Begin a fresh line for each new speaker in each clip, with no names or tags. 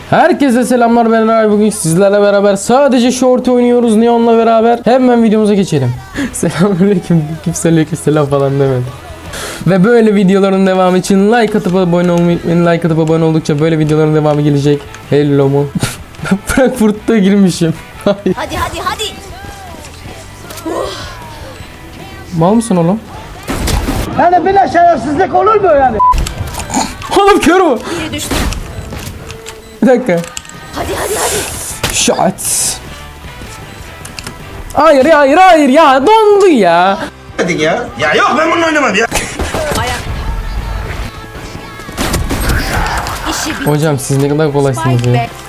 Herkese selamlar, ben Eray. Bugün sizlerle beraber sadece short oynuyoruz Neon'la beraber. Hemen videomuza geçelim. Selamünaleyküm. Kimse aleykümselam falan demedi. Ve böyle videoların devamı için like atıp abone olmayı unutmayın. Like atıp abone oldukça böyle videoların devamı gelecek. Hello mu? Frankfurt'ta girmişim.
Hadi.
Mal mısın oğlum?
Yani böyle şerefsizlik olur mu yani?
Oğlum kör mü?
Biri düştü.
Bir dakika.
Hadi.
Shot. Hayır ya, dondu ya.
Hadi ya. Ya yok, ben bununla oynamam ya.
İşi bir
Hocam siz ne kadar kolaysınız
spike
ya.
be.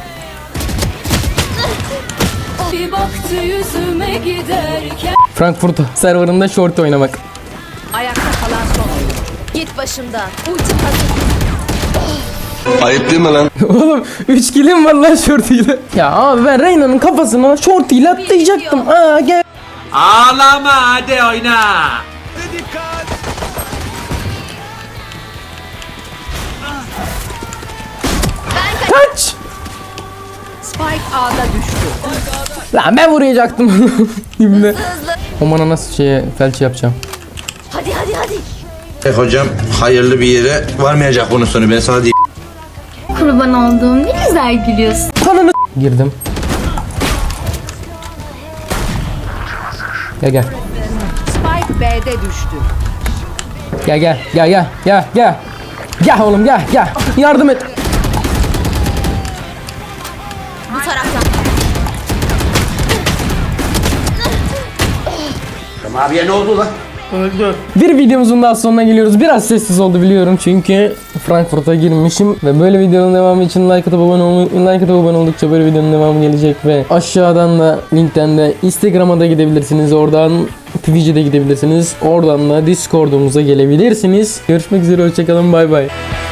Bir baktı yüzüme giderken.
Frankfurt serverında short oynamak.
Ayakta kalan son oyun. Git başımdan. Ultim hazır.
Ayıp değil mi lan?
Oğlum 3 kilim var lan shortuyla. Ya abi ben Reyna'nın kafasına shortuyla atlayacaktım. Aa gel.
Ağlama, hadi oyna.
Kaç.
Spike A'da düştü.
Lan ben vuracaktım. Şimdi. Omana nasıl felç yapacağım.
Hadi.
Hocam hayırlı bir yere varmayacak bunun sonu, ben sana diyeyim.
Kurban olduğum ne güzel gülüyorsun.
Kanını girdim. Gel.
Spike B'de düştü.
Gel. Gel oğlum gel. Yardım et.
Bu taraftan.
Abiye ne oldu lan?
Bir videomuzun daha sonuna geliyoruz. Biraz sessiz oldu biliyorum çünkü Frankfurt'a girmişim ve böyle videonun devamı için like atıp abone oldukça böyle videonun devamı gelecek ve aşağıdan da linkten de Instagram'a da gidebilirsiniz. Oradan Twitch'e de gidebilirsiniz. Oradan da Discord'umuza gelebilirsiniz. Görüşmek üzere, hoşçakalın, bay bay.